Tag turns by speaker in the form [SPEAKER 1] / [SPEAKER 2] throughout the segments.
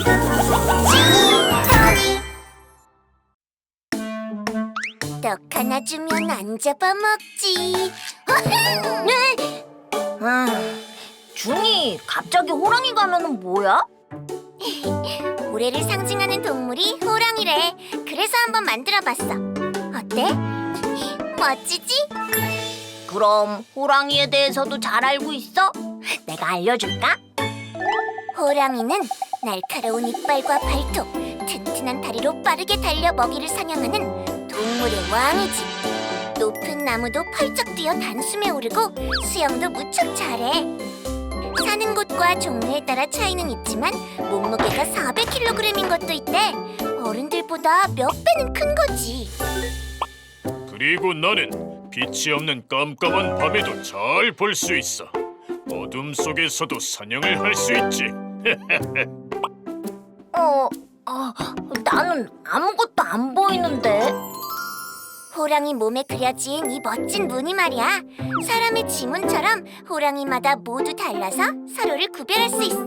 [SPEAKER 1] 떡 하나 주면 안 잡아먹지.
[SPEAKER 2] 네? 준이 갑자기 호랑이 가면은 뭐야?
[SPEAKER 1] 올해를 상징하는 동물이 호랑이래. 그래서 한번 만들어봤어. 어때? 멋지지?
[SPEAKER 2] 그럼 호랑이에 대해서도 잘 알고 있어? 내가 알려줄까?
[SPEAKER 1] 호랑이는 날카로운 이빨과 발톱, 튼튼한 다리로 빠르게 달려 먹이를 사냥하는 동물의 왕이지. 높은 나무도 펄쩍 뛰어 단숨에 오르고 수영도 무척 잘해. 사는 곳과 종류에 따라 차이는 있지만 몸무게가 400kg인 것도 있대. 어른들보다 몇 배는 큰 거지.
[SPEAKER 3] 그리고 나는 빛이 없는 깜깜한 밤에도 잘 볼 수 있어. 어둠 속에서도 사냥을 할 수 있지.
[SPEAKER 2] 나는 아무것도 안 보이는데.
[SPEAKER 1] 호랑이 몸에 그려진 이 멋진 무늬 말이야. 사람의 지문처럼 호랑이마다 모두 달라서 서로를 구별할 수 있어.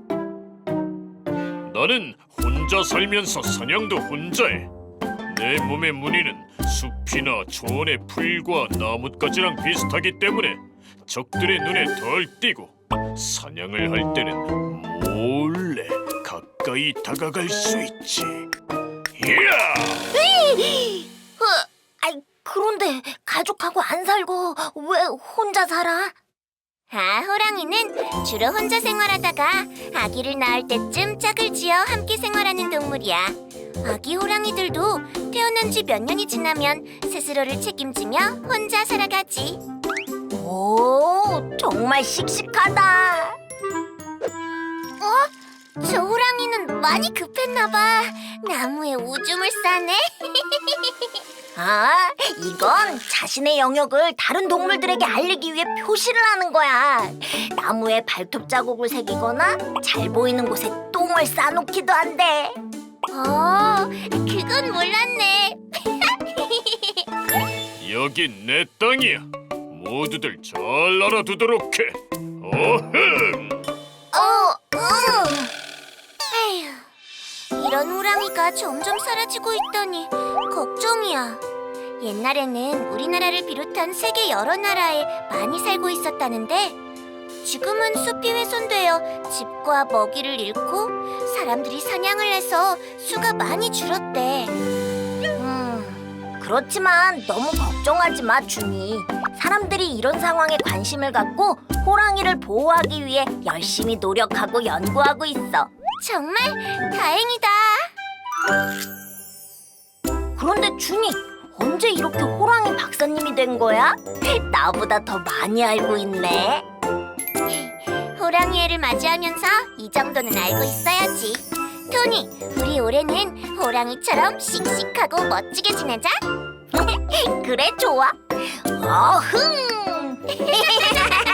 [SPEAKER 3] 나는 혼자 살면서 사냥도 혼자 해. 내 몸의 무늬는 숲이나 초원의 풀과 나뭇가지랑 비슷하기 때문에 적들의 눈에 덜 띄고 사냥을 할 때는 몰래 가까이 다가갈 수 있지. 이야!
[SPEAKER 2] 그런데 가족하고 안 살고 왜 혼자 살아?
[SPEAKER 1] 호랑이는 주로 혼자 생활하다가 아기를 낳을 때쯤 짝을 지어 함께 생활하는 동물이야. 아기 호랑이들도 태어난 지 몇 년이 지나면 스스로를 책임지며 혼자 살아가지.
[SPEAKER 2] 오, 정말 씩씩하다.
[SPEAKER 1] 저 호랑이는 많이 급했나 봐. 나무에 오줌을 싸네.
[SPEAKER 2] 이건 자신의 영역을 다른 동물들에게 알리기 위해 표시를 하는 거야. 나무에 발톱 자국을 새기거나 잘 보이는 곳에 똥을 싸놓기도 한대.
[SPEAKER 1] 그건 몰랐네.
[SPEAKER 3] 여긴 내 땅이야. 모두들 잘 알아두도록 해. 어흥!
[SPEAKER 1] 에휴, 이런 호랑이가 점점 사라지고 있다니 걱정이야. 옛날에는 우리나라를 비롯한 세계 여러 나라에 많이 살고 있었다는데 지금은 숲이 훼손되어 집과 먹이를 잃고 사람들이 사냥을 해서 수가 많이 줄었대.
[SPEAKER 2] 그렇지만 너무 걱정하지 마, 준이. 사람들이 이런 상황에 관심을 갖고 호랑이를 보호하기 위해 열심히 노력하고 연구하고 있어.
[SPEAKER 1] 정말 다행이다.
[SPEAKER 2] 그런데 준이, 언제 이렇게 호랑이 박사님이 된 거야? 나보다 더 많이 알고 있네.
[SPEAKER 1] 호랑이 해를 맞이하면서 이 정도는 알고 있어야지. 토니, 우리 올해는 호랑이처럼 씩씩하고 멋지게 지내자.
[SPEAKER 2] 그래, 좋아. 어흥!